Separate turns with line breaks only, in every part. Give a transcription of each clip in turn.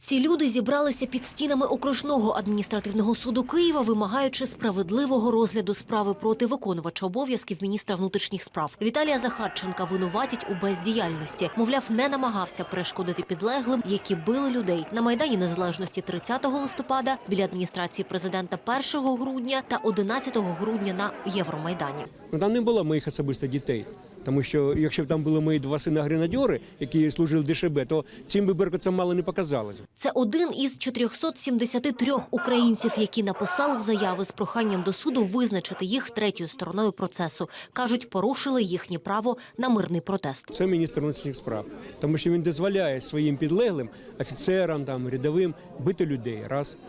Ці люди зібралися під стінами окружного адміністративного суду Києва, вимагаючи справедливого розгляду справи проти виконувача обов'язків міністра внутрішніх справ. Віталія Захарченка винуватять у бездіяльності. Мовляв, не намагався перешкодити підлеглим, які били людей на Майдані Незалежності 30 листопада, біля адміністрації президента 1 грудня та 11 грудня на Євромайдані.
Там не було моїх особисто дітей. Тому що, якщо б там були мої 2 сина-гренадьори, які служили в ДШБ, то цим би беркутцям мало не показалося.
Це один із 473 українців, які написали заяви з проханням до суду визначити їх третьою стороною процесу. Кажуть, порушили їхнє право на мирний протест.
Це міністр внутрішніх справ, тому що він дозволяє своїм підлеглим, офіцерам, рядовим, бити людей,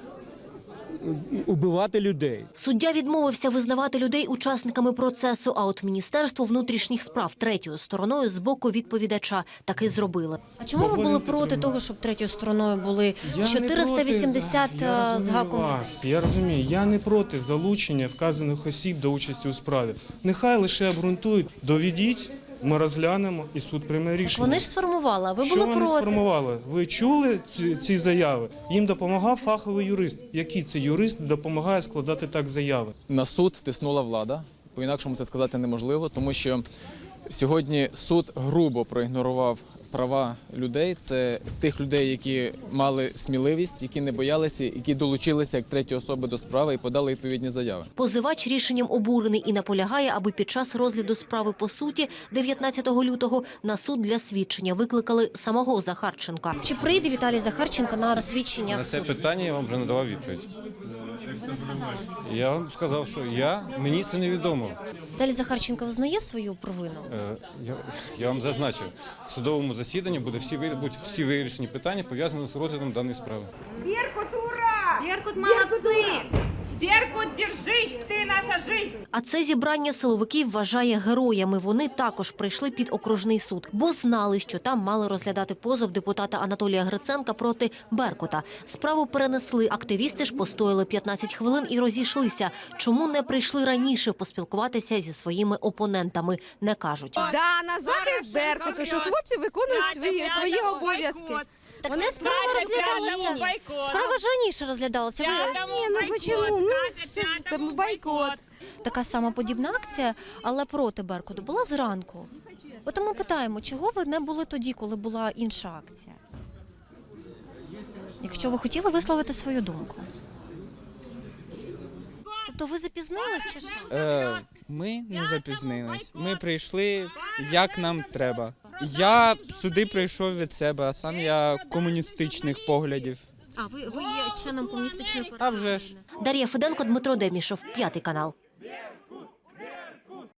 убивати людей.
Суддя відмовився визнавати людей учасниками процесу, а от Міністерство внутрішніх справ третьою стороною з боку відповідача таки зробили. А чому ви були проти того, щоб третьою стороною були 480 з гаком людей?
Я розумію, я не проти залучення вказаних осіб до участі у справі. Нехай лише обґрунтують, доведіть, ми розглянемо і суд прийме рішення.
Вони ж сформували, а ви були
Що
проти.
вони сформували? Ви чули ці заяви? Їм допомагав фаховий юрист. Який це юрист допомагає складати так заяви?
На суд тиснула влада. По-інакшому це сказати неможливо, тому що сьогодні суд грубо проігнорував права людей. Це тих людей, які мали сміливість, які не боялися, які долучилися як треті особи до справи і подали відповідні заяви.
Позивач рішенням обурений і наполягає, аби під час розгляду справи по суті 19 лютого на суд для свідчення викликали самого Захарченка. Чи прийде Віталій Захарченко на свідчення
На
в
це
суд?
питання я вам вже надавав відповідь.
Ви не сказали.
Я вам сказав, що мені це невідомо.
Віталій Захарченко визнає свою провину?
Я вам зазначив, в судовому засіданні будуть всі вирішені питання, пов'язані з розглядом даної справи.
Беркут, ура! Беркут, молодцы! Беркут, держись, ты наша жизнь!
А це зібрання силовиків вважає героями. Вони також прийшли під окружний суд, бо знали, що там мали розглядати позов депутата Анатолія Гриценка проти Беркута. Справу перенесли. Активісти ж постояли 15 хвилин і розійшлися. Чому не прийшли раніше поспілкуватися зі своїми опонентами, не кажуть.
Да, на захист Беркуту, що хлопці виконують свої обов'язки.
Так це справа розглядалася. Справа ж раніше розглядалася.
Чому? Там бойкот.
Така сама подібна акція, але проти Беркуту, була зранку. От ми питаємо, чого ви не були тоді, коли була інша акція? Якщо ви хотіли висловити свою думку. Тобто ви запізнились чи що?
Ми не запізнились. Ми прийшли, як нам треба. Я сюди прийшов від себе, а сам я комуністичних поглядів.
А ви є членом комуністичної партії?
А вже ж.
Дар'я Феденко, Дмитро Демішев, 5 канал.